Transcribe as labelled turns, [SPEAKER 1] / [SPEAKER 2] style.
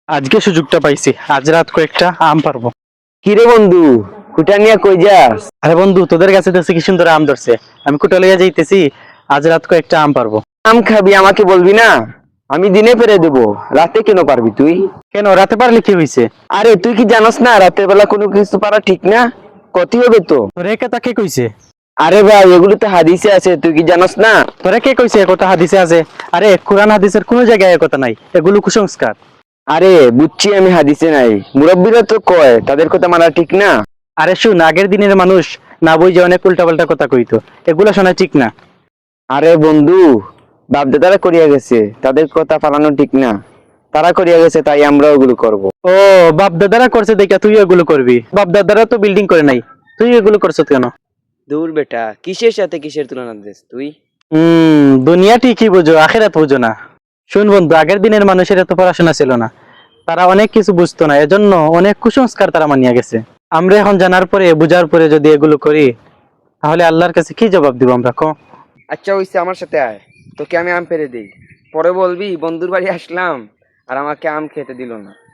[SPEAKER 1] আজকে সুযোগটা পাইছি, আজ রাত কয়েকটা আম পারবো।
[SPEAKER 2] কিরে বন্ধু, কুটা নিয়ে কই যাস?
[SPEAKER 1] আরে বন্ধু, তোদের কাছে দেখছি কি সুন্দর আম ধরছে, আমি কুটা লইয়া যাইতেছি। আজ রাত কয়েকটা আম পারবো।
[SPEAKER 2] আম খাবি আমাকে বলবি না? আমি দিনে পেরে দেবো, রাতে কেন পারবি তুই?
[SPEAKER 1] কেন, রাতে পারলে কি হয়েছে?
[SPEAKER 2] আরে তুই কি জানোস না রাতের বেলা কোনো কিছু পারা ঠিক না, ক্ষতি হবে তো।
[SPEAKER 1] তোরে কে তাকে কইছে?
[SPEAKER 2] আরে ভাই এগুলো তো হাদিসে আছে, তুই কি জানোস না?
[SPEAKER 1] তোরে কে কইছে একথা হাদিসে আছে? আরে কোরআন হাদিসের কোনো জায়গায় একথা নাই, এগুলো কুসংস্কার।
[SPEAKER 2] আরে বুঝছি আমি হাদিসে নাই, মুরব্বীরা তো কয় তাদের কথা মানা ঠিক না।
[SPEAKER 1] আরে শুন, আগের দিনের মানুষ না বুঝে অনেক উল্টাপাল্টা কথা কইতো, এগুলা শোনা ঠিক না।
[SPEAKER 2] আরে বন্ধু, বাপদাদারা করিয়া গেছে, তাদের কথা পালানো ঠিক না। তারা করিয়া গেছে তাই আমরা ওগুলো করব।
[SPEAKER 1] ও, বাপ দাদারা করছে দেখা তুই এগুলো করবি? বাপ দাদারা তো বিল্ডিং করে নাই, তুই এগুলো করছ কেন?
[SPEAKER 2] দূর বেটা, কিসের সাথে কিসের তুলনা দিস তুই?
[SPEAKER 1] দুনিয়া ঠিকই বুঝো, আখেরাত বুঝো না। শুন বন্ধু, আগের দিনের মানুষের এত পড়াশোনা ছিল না, তারা অনেক কিছু বুঝতো না, এজন্য অনেক কুসংস্কার তারা মানিয়া গেছে। আমরা এখন জানার পরে, বুঝার পরে যদি এগুলো করি, তাহলে আল্লাহর কাছে কি জবাব দিব আমরা, কো?
[SPEAKER 2] আচ্ছা হইছে, আমার সাথে আয়, তোকে আমি আম পেড়ে দিই। পরে বলবি বন্ধুর বাড়ি আসলাম আর আমাকে আম খেতে দিল না।